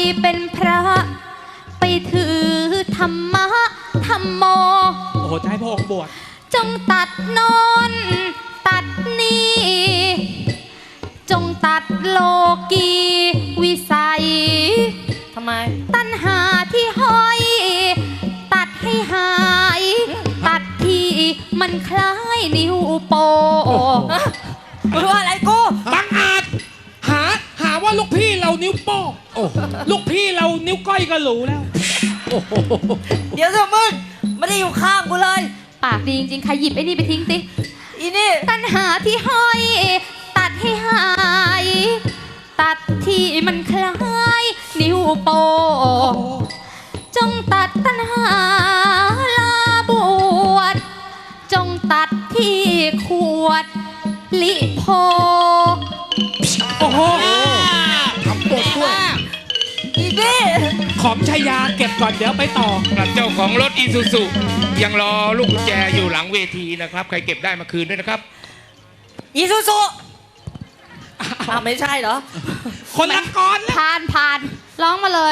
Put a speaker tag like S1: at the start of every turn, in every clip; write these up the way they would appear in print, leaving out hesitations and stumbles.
S1: เป็นพระไปถือธรรมะธรรมโม
S2: โอ้โหจะให้พระองค์บวช
S1: จงตัดโนนตัดนี่จงตัดโลกีวิสัย
S3: ทำไม
S1: ตัณหาที่ห้อยตัดให้หายตัดที่มันคล้ายนิ้วโป้
S3: กูว่าอะไรกู
S2: บังอาจหาว่าลูกพี่เรานิ้วโป้งลูกพี่เรานิ้วก้อยก็หรูแล้ว
S3: เดี๋ยวเถอะมึงไม่ได้อยู่ข้างกูเลย
S1: ปากดีจริงๆใครหยิบไอ้นี่ไปทิ้งติ
S3: อีนี่
S1: ตัณหาที่ห้อยตัดให้หายตัดที่มันคล้ายนิ้วโป้จงตัดตัณหาลาบวชจงตัดที่ขวดลิโพ
S2: โอ้โหทำบทด้วย
S3: อีนี่
S2: ของชายาเก็บก่อนเดี๋ยวไปต่อ
S4: เจ้าของรถอีซูซุยังรอลูกกุญแจอยู่หลังเวทีนะครับใครเก็บได้มาคืนด้วยนะครับ
S3: อีซูซุไม่ใช่เหรอ
S2: คนละกร
S1: ผ่านร้องมาเลย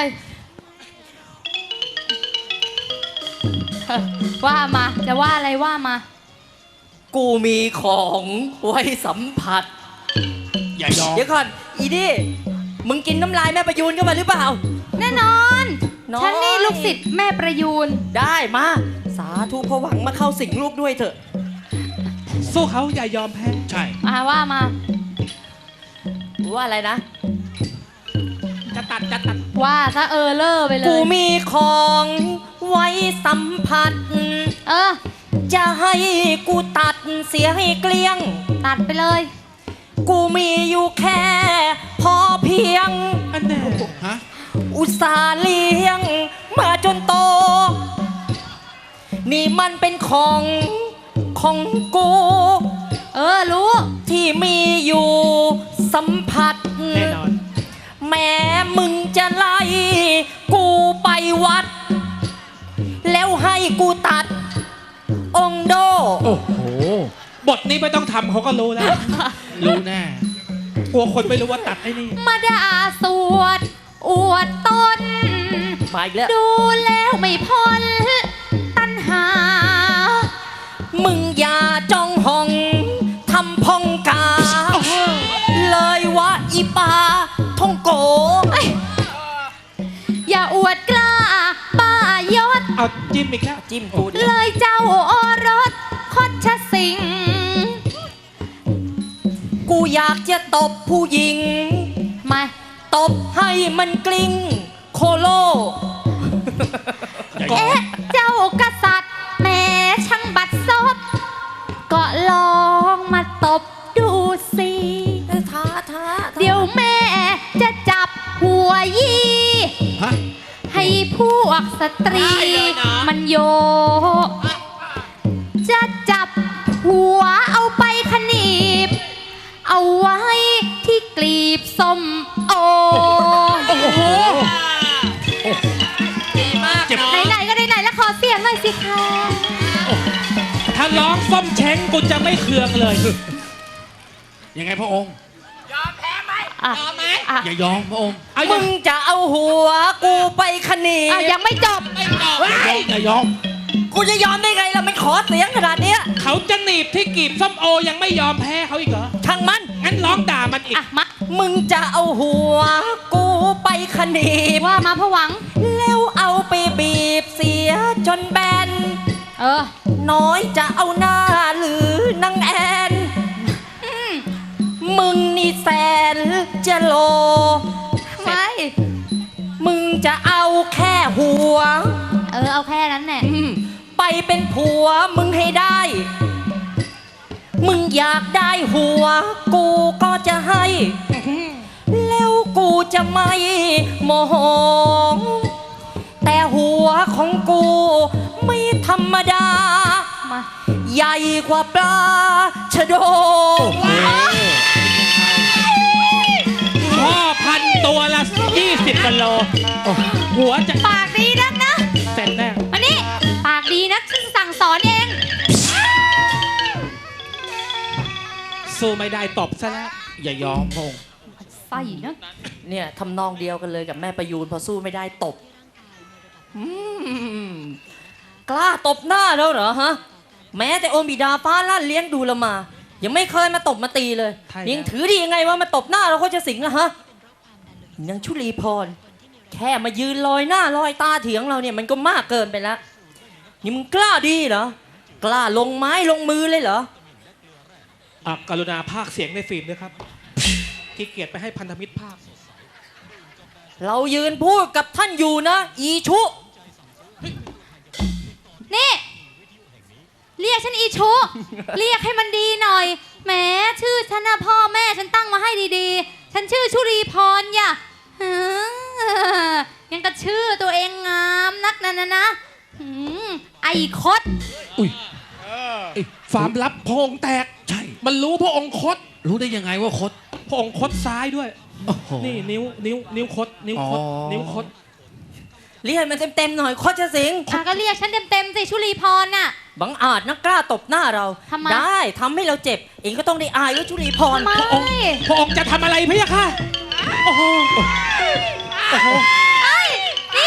S1: ว่ามาจะว่าอะไรว่ามา
S3: กูมีของไว้สัมผัส
S2: อย่ายอม
S3: เดี๋ยวก่อนอีนี่มึงกินน้ำลายแม่ประยูนเข้ามาหรือเปล่า
S1: แน่นอนฉันนี่ลูกศิษย์แม่ประยูน
S3: ได้มาสาธุพระหวังมาเข้าสิงลูกด้วยเถอะ
S2: สู้เขาอย่ายอมแพ้
S4: ใช่
S1: ว่ามา
S3: ว่าอะไรนะ
S2: จะตัด
S1: ว่าซะเล่อไปเลย
S3: กูมีของไว้สัมผัสจะให้กูตัดเสียให้เกลี้ยง
S1: ตัดไปเลย
S3: กูมีอยู่แค่พอเพียง
S2: อันไหนฮะ
S3: อุตส่าห์เลี้ยงมาจนโตนี่มันเป็นของกู
S1: รู้
S3: ที่มีอยู่สัมผัส
S2: แน่นอน
S3: แม้มึงจะไล่กูไปวัดแล้วให้กูตัดองโด
S2: โอ้โหบทนี้ไม่ต้องทำเขาก็รู้แล้วรู้แน่กลัวคนไม่รู้ว่าตัดไอ้นี่
S1: มาด่าสวดอวดตน
S3: มาอีกแล้ว
S1: ดูแล้วไม่พ้นตัณหา
S3: มึงอย่าจ้องห้องทำพองกาเลยว่าอีปาทองโก
S1: อย่าอวดกล้าป้ายศ
S2: เอาจิ้มอีกแล้ว
S3: จิ้มกู
S1: เลยเจ้าโอรสคดชสิง
S3: กูอยากจะตบผู้หญิง
S1: มา
S3: ตบให้มันกลิ้งโคโล
S1: เจ้ากษัตริย์แม่ช่างบัดซบก็ลองมาตบดูสิ
S3: ท้า
S1: เดี๋ยวแม่จะจับหัวยี่ให้พวกสตรีมันโยจะจับหัวเอาไปขนีบเอาไว้ที่กลีบส้มโอ
S3: ดีมาก
S1: ไหนก็ไหนแล้วขอเสียงหน่อยสิคะ
S2: ถ้าร้องส้มเช้งกูจะไม่เคืองเลยยังไงพระองค์
S3: ยอมแพ้ไหมยอมไหม
S2: อย่ายอมพระองค์
S3: มึงจะเอาหัวกูไปขนีบ
S1: ยังไม่จบ
S2: อย่ายอม
S3: กูจะยอมได้ไงล่ะมันขอเสียงขนาดนี้
S2: เขาจะหนีบที่กีบส้มโอยังไม่ยอมแพ้เขาอีกเหรอ
S3: ช่างมัน
S2: งั้นร้องด่ามันอีก
S3: มึงจะเอาหัวกูไปขนีบ
S1: ว่ามาผวัง
S3: แล้วเอาไปบีบเสียจนแบนน้อยจะเอาหน้าหรือนางแอนมึงนี่แสนจะโล
S1: ไม่
S3: มึงจะเอาแค่หัว
S1: เอาแค่นั้นแหละ
S3: ไปเป็นผัวมึงให้ได้มึงอยากได้หัวกูก็จะให้แล้วกูจะไม่โมโหแต่หัวของกูไม่ธรรมดาใหญ่กว่าปลาชะโด
S2: พ่อพันตัวละ20 กิโลหัวจะ
S1: ปากดีนักนะ
S2: เสร็จแน่
S1: มานี่ปากดีนักฉันสั่งสอนเอง
S2: สู้ไม่ได้ตบซะแล้วอย่ายอมพง
S1: ใส่นะ
S3: เนี่ยทำนองเดียวกันเลยกับแม่ประยูนพอสู้ไม่ได้ตบอืมกล้าตบหน้าแล้วเหรอฮะ แม้แต่องค์บิดาฟ้าลั่นเลี้ยงดูเรามา ยังไม่เคยมาตบมาตีเลย
S2: ใช่แล้ว
S3: ยังถือดียังไงว่ามาตบหน้าเราเขาจะสิงอะฮะนางชุลีพร แค่มายืนลอยหน้าลอยตาเถียงเราเนี่ยมันก็มากเกินไปแล้วนี่มึงกล้าดีเหรอกล้าลงไม้ลงมือเลยเหรอ
S2: กรุณาพากย์เสียงในฟิล์มด้วยครับขี้เกียจไปให้พันธมิตรพากย์
S3: เรายืนพูดกับท่านอยู่นะ อีชุ
S1: นี่ เรียกฉันอีชุ เรียกให้มันดีหน่อยแหมชื่อฉันนะพ่อแม่ฉันตั้งมาให้ดีๆ ฉันชื่อชุลีพรอย่าหือยังกระชื่อตัวเองงามนักนะหืมไอ้คด
S2: อุ้ยไอ้ความลับพระองค์แตก
S5: ใช่
S2: มันรู้พระองค์คด
S5: รู้ได้ยังไงว่าคด
S2: พระองค์คดซ้ายด้วย
S5: โอ้โห
S2: นี่นิ้วคดนิ้วคด
S5: อ๋อ
S2: นิ้วคด
S3: เรียกมันเต็มๆหน่อยโคชสิงห์
S1: ก็เรียกฉันเต็มๆสิชุลีพรน่ะ
S3: บังอาจนักกล้าตบหน้าเรา
S1: ทำไม
S3: ได้ทำให้เราเจ็บ เองก็ต้องได้อายว่าชุลีพร
S1: ไม่
S2: พระองค์จะทำอะไรพะยะค่ะโอ้โหโอ้โห
S1: นี่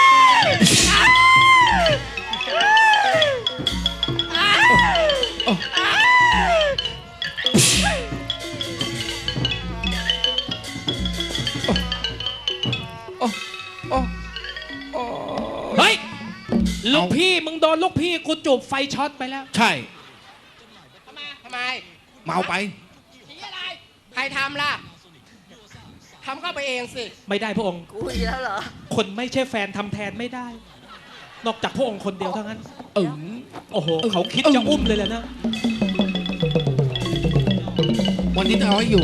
S2: เฮ้ยลูกพี่มึงโดนลูกพี่กูจูบไฟช็อตไปแล้ว
S5: ใช่
S6: ทำไม
S5: เมาไป
S6: ผีอะไร ใครทำล่ะ ทำก็ไปเองสิ
S2: ไม่ได้พระองค์
S3: กูอีกแล้วเหรอ
S2: คนไม่ใช่แฟนทำแทนไม่ได้ นอกจากพระองค์คนเดียวเท่านั้นโอ้โหเขาคิดจะอุ้มเลยแหละนะ
S5: วันนี้จะเอาให้อยู่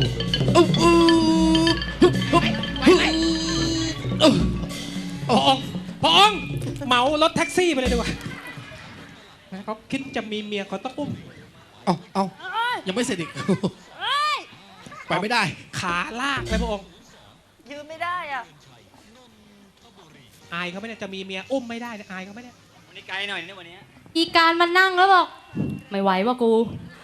S2: พระองค์เหมารถแท็กซี่ไปเลยดีกว่าเขาคิดจะมีเมียเขาต้องอุ้ม
S5: เอายังไม่เสร็จอีก ไปไม่ได้
S2: ขาลากไปพระองค์
S3: ยืนไม่ได้อ่ะ
S2: อายเขาไม่ได้จะมีเมียอุ้มไม่ได้เนี่ยอายเขาไม่ได้
S7: วันนี้ไกลหน่อยนะวันนี้
S1: อีการมันนั่งแล้วบอก ไม่ไหวว่ะกู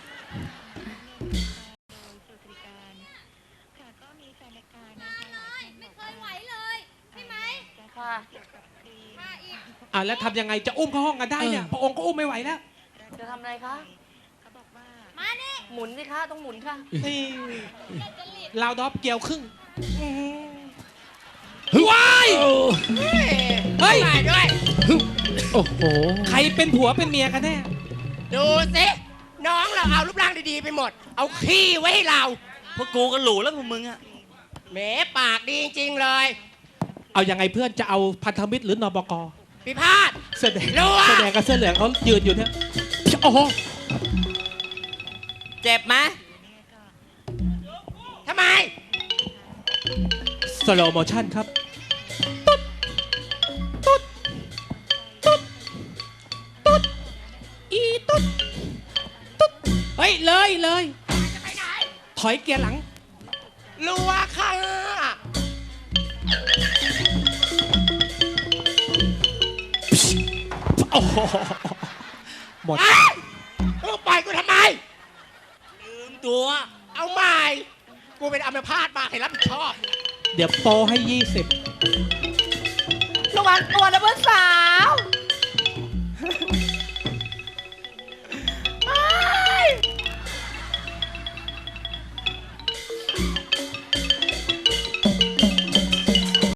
S1: ไม่เคยไหวเลยใช่ไหม
S3: ค่ะ
S2: แล้วทำยังไงจะอุ้มเข้าห้องกันได้เนี่ยพระองค์ก็อุ้มไม่ไหวแล้ว
S3: จะทำอะไรคะ
S1: มานี่
S3: หมุนสิคะต้องหมุนค่ะ
S2: นี่ลาวดอฟเกี่ยวครึ่ง
S5: ว้าย
S2: เฮ้ย
S6: ไปด้วย
S5: โอ้โห
S2: ใครเป็นผัวเป็นเมียกันแน่
S6: ดูสิ น้องเราเอารูปร่างดีๆไปหมด เอาขี้ไว้ให้เรา
S7: พวกกูก็หลูแล้วพวกมึงอะ
S6: แหมปากดีจริงๆเลย
S2: เอายังไงเพื่อนจะเอาพันธมิตรหรือนบก
S6: พิพาท
S2: เสื้อแดง
S6: รู้อะ
S2: เสื้อแดงกับเสื้อเหลืองเขายืนอยู่เนี่ยโอ้โห
S3: เจ็บไหม
S6: ทำไม
S2: สโลโมชั่นครับเฮ้ยเลยถอยเกียร์หลัง
S6: รัวค่ะ
S2: โอ้โหหมด
S6: ปล่อยกูทำไม
S7: ลืมตัว
S6: เอาใหม่ กูเป็นอัมพาตมาให้รับผิดชอบ
S2: เดี๋ยวโปรให้ 20
S6: ระวังตัวนะเพื่อนสาว